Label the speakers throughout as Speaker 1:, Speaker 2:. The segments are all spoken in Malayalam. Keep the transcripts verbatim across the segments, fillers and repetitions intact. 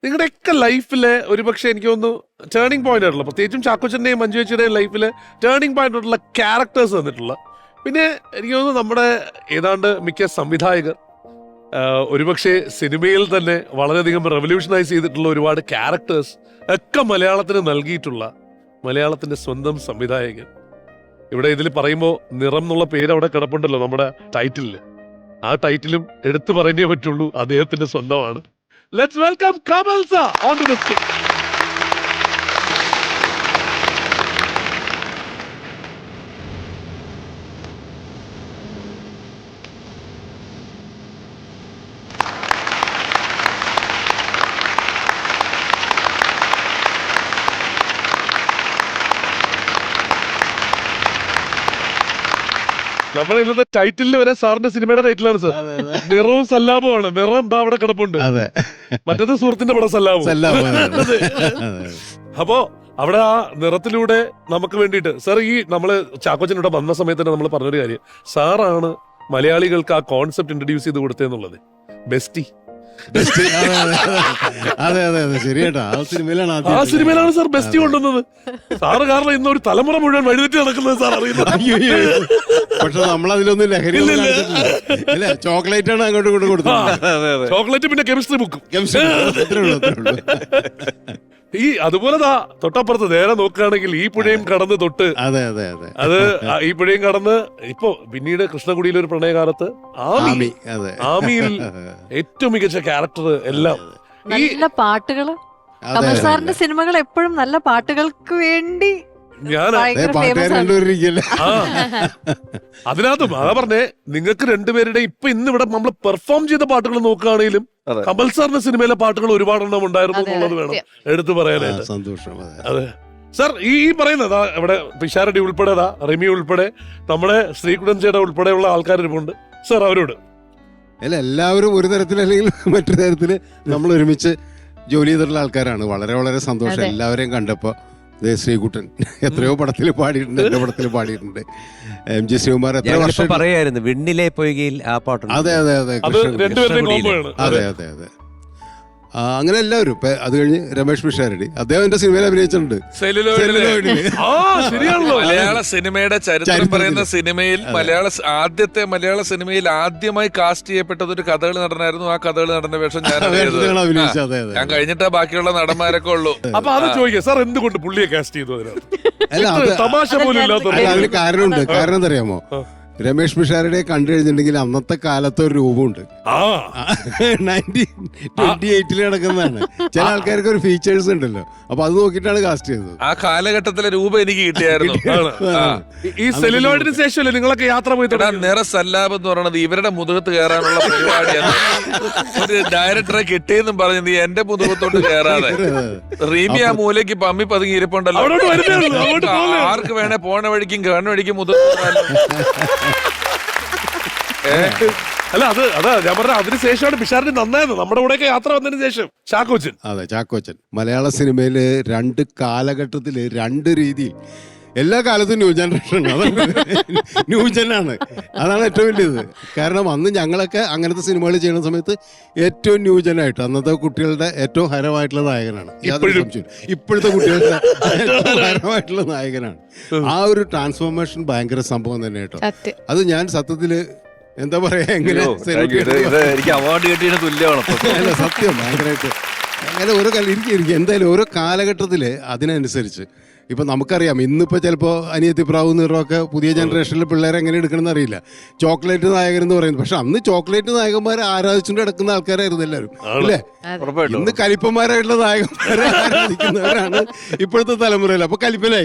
Speaker 1: നിങ്ങളുടെയൊക്കെ ലൈഫിലെ ഒരുപക്ഷെ എനിക്ക് തോന്നുന്നു ടേണിംഗ് പോയിന്റ് ആയിട്ടുള്ള, പ്രത്യേകിച്ചും ചാക്കോച്ചന്റെയും മഞ്ജു ചേച്ചിയുടെയും ലൈഫിലെ ടേണിംഗ് പോയിന്റ് ആയിട്ടുള്ള ക്യാരക്ടേഴ്സ് വന്നിട്ടുള്ള, പിന്നെ എനിക്ക് തോന്നുന്നു നമ്മുടെ ഏതാണ്ട് മിക്ക സംവിധായകർ ഒരുപക്ഷെ സിനിമയിൽ തന്നെ വളരെയധികം റെവല്യൂഷനൈസ് ചെയ്തിട്ടുള്ള ഒരുപാട് ക്യാരക്ടേഴ്സ് ഒക്കെ മലയാളത്തിന് നൽകിയിട്ടുള്ള മലയാളത്തിന്റെ സ്വന്തം സംവിധായകൻ. ഇവിടെ ഇതിൽ പറയുമ്പോൾ നിറം എന്നുള്ള പേര് അവിടെ കിടപ്പുണ്ടല്ലോ നമ്മുടെ ടൈറ്റിലില്. ആ ടൈറ്റിലും എടുത്തു പറഞ്ഞേ പറ്റുള്ളൂ, അദ്ദേഹത്തിന്റെ സ്വന്തമാണ്. Let's welcome Kamal sir onto the stage. നമ്മുടെ ഇന്നത്തെ ടൈറ്റിലിൽ വരെ സാറിന്റെ സിനിമയുടെ ടൈറ്റിലാണ് സാർ. നിറവും സല്ലാപമാണ്. നിറം എന്താ അവിടെ കിടപ്പുണ്ട്. മറ്റേത് സുഹൃത്തിന്റെ പടം സല്ലാപം. അപ്പോ അവിടെ ആ നിറത്തിലൂടെ നമുക്ക് വേണ്ടിയിട്ട് സാർ, ഈ നമ്മള് ചാക്കോച്ചനിവിടെ വന്ന സമയത്ത് തന്നെ നമ്മൾ പറഞ്ഞൊരു കാര്യം, സാറാണ് മലയാളികൾക്ക് ആ കോൺസെപ്റ്റ് ഇൻട്രൊഡ്യൂസ് ചെയ്ത് കൊടുത്തതെന്നുള്ളത്. ബെസ്റ്റി.
Speaker 2: അതെ അതെ അതെ ശരിയാട്ടാ. ആ സിനിമയിലാണ്
Speaker 1: ആ സിനിമയിലാണ് സാർ ബെസ്റ്റി കൊണ്ടുവന്നത്. സാറ് കാരണം ഇന്ന് ഒരു തലമുറ മുഴുവൻ വഴിതെറ്റി നടക്കുന്നത് സാർ അറിയുന്നത്.
Speaker 2: പക്ഷെ നമ്മളതിലൊന്നും ലഹരി അല്ല, ചോക്ലേറ്റ് ആണ് അങ്ങോട്ട് കൊണ്ട് കൊടുത്തത്.
Speaker 1: ചോക്ലേറ്റ് പിന്നെ കെമിസ്ട്രി ബുക്കും.
Speaker 2: അത്രേ ഉള്ളൂ അത്രേ ഉള്ളൂ.
Speaker 1: ഈ അതുപോലെ തൊട്ടപ്പുറത്ത് നേരെ നോക്കുകയാണെങ്കിൽ ഈ പുഴയും കടന്ന് തൊട്ട്
Speaker 2: അതെ അതെ അതെ
Speaker 1: അത് ഈ പുഴയും കടന്ന് ഇപ്പൊ പിന്നീട് കൃഷ്ണകുടിയിലെ ഒരു പ്രണയകാലത്ത് ആമി, ആമിയിൽ ഏറ്റവും മികച്ച ക്യാരക്ടർ എല്ലാം.
Speaker 3: നല്ല പാട്ടുകള്. കമൽ സാറിന്റെ സിനിമകൾ എപ്പോഴും നല്ല പാട്ടുകൾക്ക് വേണ്ടി
Speaker 1: ഞാൻ അതിനകത്തും അതാ പറഞ്ഞേ, നിങ്ങൾക്ക് രണ്ടുപേരുടെ ഇപ്പൊ ഇന്ന് ഇവിടെ നമ്മൾ പെർഫോം ചെയ്ത പാട്ടുകൾ നോക്കുകയാണെങ്കിലും കമൽ സാറിന്റെ സിനിമയിലെ പാട്ടുകൾ ഒരുപാടെണ്ണം ഉണ്ടായിരുന്നു എന്നുള്ളത് വേണം എടുത്തു പറയാനായിട്ട്.
Speaker 2: സന്തോഷം.
Speaker 1: അതെ സാർ, ഈ പറയുന്നത് ഇവിടെ പിഷാരടി ഉൾപ്പെടെ, റിമി ഉൾപ്പെടെ, നമ്മുടെ ശ്രീകുടൻ ചേട്ട ഉൾപ്പെടെയുള്ള ആൾക്കാർ ഇരിപ്പുണ്ട് സാർ. അവരോട്
Speaker 2: അല്ല, എല്ലാവരും ഒരു തരത്തിൽ അല്ലെങ്കിൽ മറ്റൊരു തരത്തില് നമ്മൾ ഒരുമിച്ച് ജോലി ചെയ്തിട്ടുള്ള ആൾക്കാരാണ്. വളരെ വളരെ സന്തോഷം എല്ലാവരെയും കണ്ടപ്പോ. ശ്രീകുട്ടൻ എത്രയോ പടത്തിൽ പാടിയിട്ടുണ്ട്, എന്റെ പടത്തിൽ പാടിയിട്ടുണ്ട്. എം ജി ശ്രീകുമാർ എത്ര വർഷം
Speaker 4: പറയായിരുന്നു വിണ്ണിലെ പൊയ്കയിൽ ആ പാട്ടുണ്ട്.
Speaker 2: അതെ അതെ അതെ അതെ അതെ അതെ അങ്ങനെ എല്ലാവരും. അത് കഴിഞ്ഞ് രമേഷ് പിഷാരടി, അദ്ദേഹം എന്റെ സിനിമയിൽ അഭിനയിച്ചിട്ടുണ്ട്.
Speaker 5: മലയാള സിനിമയുടെ ചരിത്രം പറയുന്ന സിനിമയിൽ മലയാള ആദ്യത്തെ മലയാള സിനിമയിൽ ആദ്യമായി കാസ്റ്റ് ചെയ്യപ്പെട്ടത് ഒരു കഥകളി നടനായിരുന്നു. ആ കഥകളി നടന്റെ വേഷം ഞാൻ ഞാൻ കഴിഞ്ഞിട്ടാ ബാക്കിയുള്ള നടന്മാരൊക്കെ ഉള്ളൂ.
Speaker 1: അപ്പൊ അത് ചോദിക്കാം സാർ, എന്തുകൊണ്ട് പുള്ളിയെ കാസ്റ്റ് ചെയ്തു?
Speaker 2: അല്ല,
Speaker 1: തമാശ പോലും ഇല്ലാത്ത
Speaker 2: അതിന് കാരണമുണ്ട്. കാരണം എന്തറിയാമോ, രമേഷ് പിഷാരടെ കണ്ടു കഴിഞ്ഞിട്ടുണ്ടെങ്കിൽ അന്നത്തെ കാലത്ത് ഒരു രൂപമുണ്ട്. നയൻറ്റീൻ ട്വന്റി എയ്റ്റിൽ നടക്കുന്നതാണ്. ചില ആൾക്കാർക്ക് ഒരു ഫീച്ചേഴ്സ് ഉണ്ടല്ലോ, അപ്പൊ അത് നോക്കിയിട്ടാണ് കാസ്റ്റ് ചെയ്തത്.
Speaker 5: ആ കാലഘട്ടത്തിലെ രൂപ എനിക്ക് കിട്ടിയായിരുന്നു.
Speaker 1: ഈ സെല്ലുലോയിഡിന് ശേഷമല്ലേ നിങ്ങളൊക്കെ യാത്ര പോയി?
Speaker 5: നിറ സല്ലാബ് എന്ന് പറയുന്നത് ഇവരുടെ മുതുകത്ത് കയറാനുള്ള പരിപാടിയാണ്. ഒരു ഡയറക്ടറെ കിട്ടിയെന്നും പറഞ്ഞു നീ എന്റെ മുതുകത്തോട്ട് കയറാതെ റീമി ആ മൂലയ്ക്ക് പമ്മി പതുങ്ങി ഇരിപ്പുണ്ടല്ലോ. ആർക്ക് വേണേ പോണ വഴിക്കും കാണുന്ന വഴിക്കും മുതുകത്ത്.
Speaker 1: അല്ല, അത് അതാ ഞാൻ പറഞ്ഞ അതിന് ശേഷമാണ് പിഷാരടി നന്നായത് നമ്മുടെ കൂടെയൊക്കെ യാത്ര വന്നതിന് ശേഷം. ചാക്കോച്ചൻ.
Speaker 2: അതെ, ചാക്കോച്ചൻ മലയാള സിനിമയില് രണ്ട് കാലഘട്ടത്തില് രണ്ട് രീതിയിൽ, എല്ലാ കാലത്തും ന്യൂ ജനറേഷൻ ന്യൂജനാണ്. അതാണ് ഏറ്റവും വലിയത്. കാരണം അന്ന് ഞങ്ങളൊക്കെ അങ്ങനത്തെ സിനിമകൾ ചെയ്യുന്ന സമയത്ത് ഏറ്റവും ന്യൂജനായിട്ട് അന്നത്തെ കുട്ടികളുടെ ഏറ്റവും ഹരമായിട്ടുള്ള നായകനാണ്. ഇപ്പോഴത്തെ കുട്ടികളുടെ ഏറ്റവും ഹരമായിട്ടുള്ള നായകനാണ്. ആ ഒരു ട്രാൻസ്ഫോർമേഷൻ ഭയങ്കര സംഭവം തന്നെ കേട്ടോ. അത് ഞാൻ സത്യത്തില് എന്താ പറയാ, എങ്ങനെ
Speaker 5: എനിക്ക് അവാർഡ് കിട്ടിയതിന് തുല്യമാണ്
Speaker 2: സത്യം. ഭയങ്കരമായിട്ട് അങ്ങനെ ഓരോ എനിക്ക് എന്തായാലും ഓരോ കാലഘട്ടത്തില് അതിനനുസരിച്ച് ഇപ്പൊ നമുക്കറിയാം. ഇന്നിപ്പോ ചിലപ്പോ അനിയത്തി പ്രാവ് നിറമൊക്കെ പുതിയ ജനറേഷനിലെ പിള്ളേരെ എങ്ങനെ എടുക്കണമെന്ന് അറിയില്ല. ചോക്ലേറ്റ് നായകൻ എന്ന് പറയുന്നത്, പക്ഷെ അന്ന് ചോക്ലേറ്റ് നായകന്മാരെ ആരാധിച്ചുകൊണ്ട് കിടക്കുന്ന ആൾക്കാരായിരുന്നു എല്ലാവരും, അല്ലേ? ഇന്ന് കലിപ്പന്മാരായിട്ടുള്ള നായകന്മാരെ ആരാധിക്കുന്നവരാണ് ഇപ്പോഴത്തെ തലമുറയിൽ. അപ്പൊ കലിപ്പനായി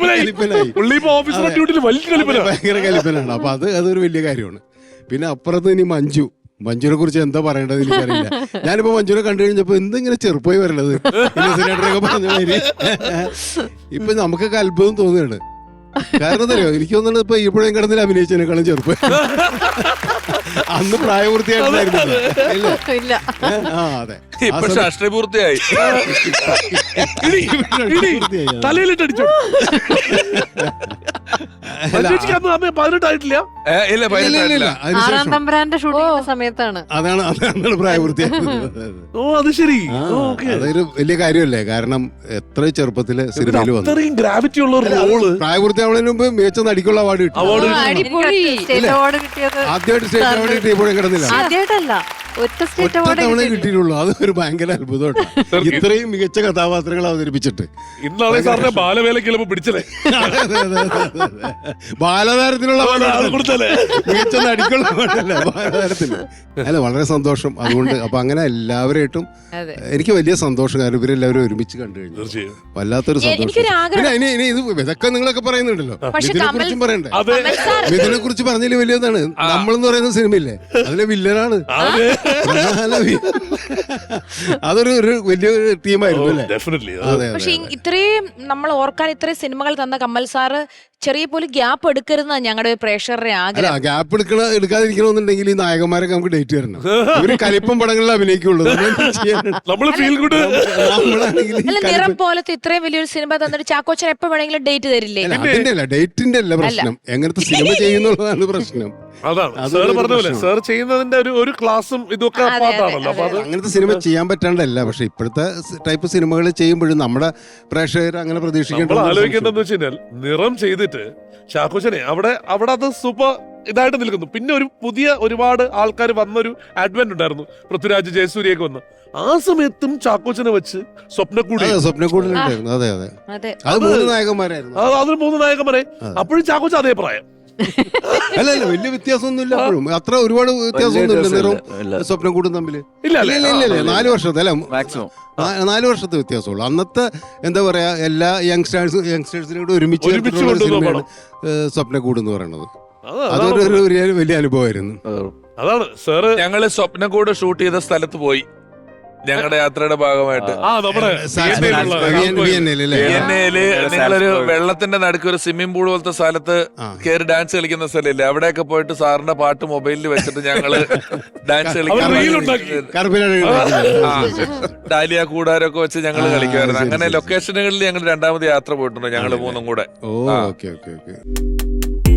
Speaker 2: ഭയങ്കര കലിപ്പനാണ്. അപ്പൊ അത് അതൊരു വലിയ കാര്യമാണ്. പിന്നെ അപ്പുറത്ത് ഇനി മഞ്ജു, മഞ്ജുവിനെ കുറിച്ച് എന്താ പറയേണ്ടത് എനിക്കറിയില്ല. ഞാനിപ്പോ മഞ്ജുവിനെ കണ്ടു കഴിഞ്ഞപ്പോ എന്തെങ്കിലും ചെറുപ്പമായി വരണത് പറഞ്ഞ മാതിരി ഇപ്പൊ നമുക്കൊക്കെ അത്ഭുതം തോന്നുകയാണ്. കാരണം എന്തറിയോ, എനിക്ക് തോന്നുന്നത് ഇപ്പൊ ഇപ്പോഴും കിടന്നിൽ അഭിനയിച്ചതിനേക്കാളും ചെറുപ്പം. അന്ന് പ്രായപൂർത്തിയായിട്ടില്ല. ആ അതെ,
Speaker 5: ഇപ്പൊ രാഷ്ട്രീയപൂർത്തിയായി.
Speaker 1: തലയിലിട്ടടിച്ചു. മഞ്ജുവേച്ചിക്ക് അന്ന് അന്ന് പതിനെട്ടായിട്ടില്ല.
Speaker 5: ഏ, ഇല്ല
Speaker 2: ഇല്ല, ഇല്ല,
Speaker 5: പതിനെട്ടില്ല
Speaker 2: ഇല്ല.
Speaker 3: ആറാം
Speaker 2: അതിനുശേഷം
Speaker 3: തമ്പുരാന്റെ ഷൂട്ടിംഗ് സമയത്താണ്.
Speaker 2: അതാണ് അതാണ് പ്രായപൂർത്തിയായത്.
Speaker 1: ഓ അത് ശരി.
Speaker 2: ആ,
Speaker 1: ഓക്കെ.
Speaker 2: അതൊരു വലിയ കാര്യമല്ലേ, കാരണം എത്ര ചെറുപ്പത്തില് സിനിമയിൽ വന്നു.
Speaker 1: അത്രയും ഗ്രാവിറ്റി ഉള്ള ഒരു റോള്.
Speaker 2: പ്രായപൂർത്തിയാവുന്നതിന് മുമ്പ് മികച്ച നടിക്കുള്ള അവാർഡ് കിട്ടി.
Speaker 1: അവാർഡ്
Speaker 3: ആ,
Speaker 6: അടിപൊളി.
Speaker 3: സ്റ്റേറ്റ് അവാർഡ് കിട്ടിയത്
Speaker 2: ആദ്യമായിട്ട് സ്റ്റേറ്റ് അവാർഡ് കിട്ടിയപ്പോഴും കിടന്നില്ല.
Speaker 3: ആദ്യമായിട്ടല്ല, ഒറ്റ
Speaker 2: ഒറ്റ
Speaker 3: സ്റ്റേറ്റ് അവാർഡ്
Speaker 2: തവണ കിട്ടിയിട്ടുള്ളൂ. അത് ഒരു ഭയങ്കര അത്ഭുതമാണ്. ഇത്രയും മികച്ച കഥാപാത്രങ്ങൾ അവതരിപ്പിച്ചിട്ട്
Speaker 1: ഇന്നാളെ സാറിനെ ബാലവേലയ്ക്ക് ചിലപ്പോ പിടിച്ചല്ലേ.
Speaker 2: ബാലതാരത്തിനുള്ള
Speaker 1: അത്
Speaker 2: award
Speaker 1: കൊടുത്തല്ലേ.
Speaker 2: മികച്ച നടിക്കുള്ള award അല്ലേ ബാലതാരത്തിന്. അല്ല, വളരെ സന്തോഷം. അതുകൊണ്ട് അപ്പൊ അങ്ങനെ എല്ലാവരായിട്ടും
Speaker 3: അതെ.
Speaker 2: എനിക്ക് വലിയ സന്തോഷം, കാരണം ഇവരെല്ലാവരും ഒരുമിച്ച് കണ്ടു കഴിഞ്ഞു.
Speaker 1: തീർച്ചയായും.
Speaker 2: വല്ലാത്തൊരു
Speaker 6: എ-
Speaker 2: സന്തോഷം.
Speaker 6: എനിക്കൊരു ആഗ്രഹം.
Speaker 2: പിന്നെ ഇനി ഇനി ഇത് ഇതൊക്കെ നിങ്ങളൊക്കെ പറയുന്നുണ്ടല്ലോ,
Speaker 6: പക്ഷെ
Speaker 2: ഇതിനെ
Speaker 6: കമൽ-
Speaker 2: കുറിച്ചും പറയണ്ടേ.
Speaker 1: അതെ.
Speaker 6: കമൽ സാർ
Speaker 2: ഇതിനെ കുറിച്ച് പറഞ്ഞതിൽ വലിയതാണ്. നമ്മളെന്ന് പറയുന്ന സിനിമയില്ലേ, അതിലെ വില്ലനാണ്.
Speaker 1: അതെ.
Speaker 2: പ്രധാന വി- അതൊരു ഒരു വലിയൊരു ടീമായിരുന്നു അല്ലേ.
Speaker 1: ഡെഫിനറ്റ്ലി.
Speaker 2: അതെ
Speaker 6: പക്ഷെ
Speaker 2: അതെ
Speaker 6: ഇത്രയും നമ്മൾ ഓർക്കാൻ ഇത്രയും സിനിമകൾ തന്ന കമൽ സാറ് ചെറിയ പോലും ഗ്യാപ്പ് എടുക്കരുതെന്നാണ് ഞങ്ങളുടെ പ്രേക്ഷകരുടെ
Speaker 2: അല്ല,
Speaker 6: ആഗ്രഹം.
Speaker 2: ഗ്യാപ്പ് എടുക്കണ എടുക്കാതിരിക്കണമെന്നുണ്ടെങ്കിൽ ഈ നായകന്മാരൊക്കെ നമുക്ക് ഡേറ്റ് തരണം. ഇവര് കലിപ്പം പടങ്ങളിൽ അഭിനയിക്കുള്ളൂ. നമ്മളെന്ത് ചെയ്യാനാണ്?
Speaker 1: നമ്മള് ഫീൽ ഗുഡ്.
Speaker 2: നമ്മളാണെങ്കിൽ ഈ
Speaker 6: അല്ല, നിറം
Speaker 2: കലിപ്പം-
Speaker 6: പോലത്തെ ഇത്രയും വലിയൊരു സിനിമ തന്നിട്ട് ചാക്കോച്ചൻ എപ്പോ വേണമെങ്കിലും ഡേറ്റ് തരില്ലേ?
Speaker 2: അല്ല, അതിന്റെ അല്ല, ഡേറ്റിന്റെ അല്ല പ്രശ്നം, എങ്ങനത്തെ സിനിമ ചെയ്യുന്നുള്ളതാണ് പ്രശ്നം.
Speaker 1: അതാണ്
Speaker 2: അതൊരു
Speaker 1: സാർ പറഞ്ഞ പോലെ.
Speaker 2: പ്രശ്നം.
Speaker 1: സാർ ചെയ്യുന്നതിന്റെ ഒരു ഒരു ക്ലാസ്സും ഇതൊക്കെ
Speaker 6: അതെ, അതെ,
Speaker 1: പാട്ടാണല്ലോ. അപ്പൊ അത്
Speaker 2: അങ്ങനത്തെ സിനിമ ചെയ്യാൻ പറ്റാണ്ടല്ല, പക്ഷെ ഇപ്പോഴത്തെ ടൈപ്പ് സിനിമകൾ ചെയ്യുമ്പോഴും നമ്മുടെ പ്രേക്ഷകർ അങ്ങനെ
Speaker 1: നമ്മൾ
Speaker 2: പ്രതീക്ഷിക്കേണ്ട
Speaker 1: ആലോചിക്കേണ്ടതെന്ന് വെച്ച് കഴിഞ്ഞാൽ നിറം ചെയ്തിട്ട് ചാക്കോച്ചനെ അവിടെ അവിടെ അത് സൂപ്പർ ഇതായിട്ട് നിൽക്കുന്നു. പിന്നെ ഒരു പുതിയ ഒരുപാട് ആൾക്കാർ വന്നൊരു അഡ്വന്റ് ഉണ്ടായിരുന്നു, പൃഥ്വിരാജ് ജയസൂര്യയൊക്കെ വന്ന്. ആ സമയത്തും ചാക്കോച്ചനെ വെച്ച് സ്വപ്നക്കൂടി
Speaker 2: സ്വപ്നക്കൂടിലുണ്ടായിരുന്നു. അതെ അതെ
Speaker 6: അതെ.
Speaker 2: അത് മൂന്ന് നായകന്മാരായിരുന്നു.
Speaker 1: അത് അതിൽ മൂന്ന് നായകന്മാരെ. അപ്പോഴും ചാക്കോച്ച അതേ പ്രായം.
Speaker 2: അല്ല അല്ല, വലിയ വ്യത്യാസമൊന്നുമില്ല. അപ്പോഴും അത്ര ഒരുപാട് വ്യത്യാസമൊന്നുമില്ല നിറവും സ്വപ്നക്കൂടും തമ്മില്.
Speaker 1: ഇല്ല
Speaker 2: ഇല്ല
Speaker 1: അല്ലേ.
Speaker 2: ഇല്ല ഇല്ല, നാല് വർഷത്തെ അല്ല,
Speaker 4: മാക്സിമം
Speaker 2: നാ- നാല് വർഷത്തെ വ്യത്യാസമുള്ളൂ. അന്നത്തെ എന്താ പറയാ, എല്ലാ യങ്സ്റ്റേഴ്സ് യങ്സ്റ്റേഴ്സിനെ കൂടെ ഒരുമിച്ച്
Speaker 1: ഒരുമിച്ച്
Speaker 2: ചേർത്തിട്ടുള്ള ഒരു
Speaker 1: കൊണ്ടുവന്ന
Speaker 2: സിനിമയാണ് സ്വപ്നക്കൂട് എന്ന് പറയുന്നത്.
Speaker 1: അത്
Speaker 2: അതൊരു
Speaker 1: അതാണ്
Speaker 2: ഒരു വലിയ- വലിയ അനുഭവമായിരുന്നു.
Speaker 1: അതാണ് സാറ്.
Speaker 5: ഞങ്ങള് സ്വപ്നക്കൂട് ഷൂട്ട് ചെയ്ത സ്ഥലത്ത് പോയി ഞങ്ങളുടെ യാത്രയുടെ ഭാഗമായിട്ട്.
Speaker 1: ആ നമ്മുടെ
Speaker 2: സാ-
Speaker 1: വിയന്നയിലുള്ള
Speaker 2: വിയന്ന- വിയന്നയിലല്ലേ?
Speaker 5: വിയന്നയില് നിങ്ങളൊരു വെള്ളത്തിന്റെ നടുക്ക് ഒരു സ്വിമ്മിംഗ് പൂൾ പോലത്തെ സ്ഥലത്ത്
Speaker 2: ആ.
Speaker 5: കയറി ഡാൻസ് കളിക്കുന്ന സ്ഥലമില്ലേ, അവിടെയൊക്കെ പോയിട്ട് സാറിന്റെ പാട്ട് മൊബൈലിൽ വെച്ചിട്ട് ഞങ്ങള് ഡാൻസ്
Speaker 1: അവർ reel
Speaker 5: കളിക്കാൻ
Speaker 1: ഉണ്ടാക്കി.
Speaker 2: കറുപ്പിനാണ്
Speaker 5: ആ, ഡാലിയ കൂടാരൊക്കെ വെച്ച് ഞങ്ങൾ
Speaker 2: ആ,
Speaker 5: കളിക്കുമായിരുന്നു.
Speaker 2: ശരി,
Speaker 5: അങ്ങനെ
Speaker 2: ശരി.
Speaker 5: ലൊക്കേഷനുകളിൽ ഞങ്ങൾ രണ്ടാമത് യാത്ര പോയിട്ടുണ്ട്, ഞങ്ങൾ മൂന്നും കൂടെ.
Speaker 2: ഓ
Speaker 5: ആ.
Speaker 2: Okay okay okay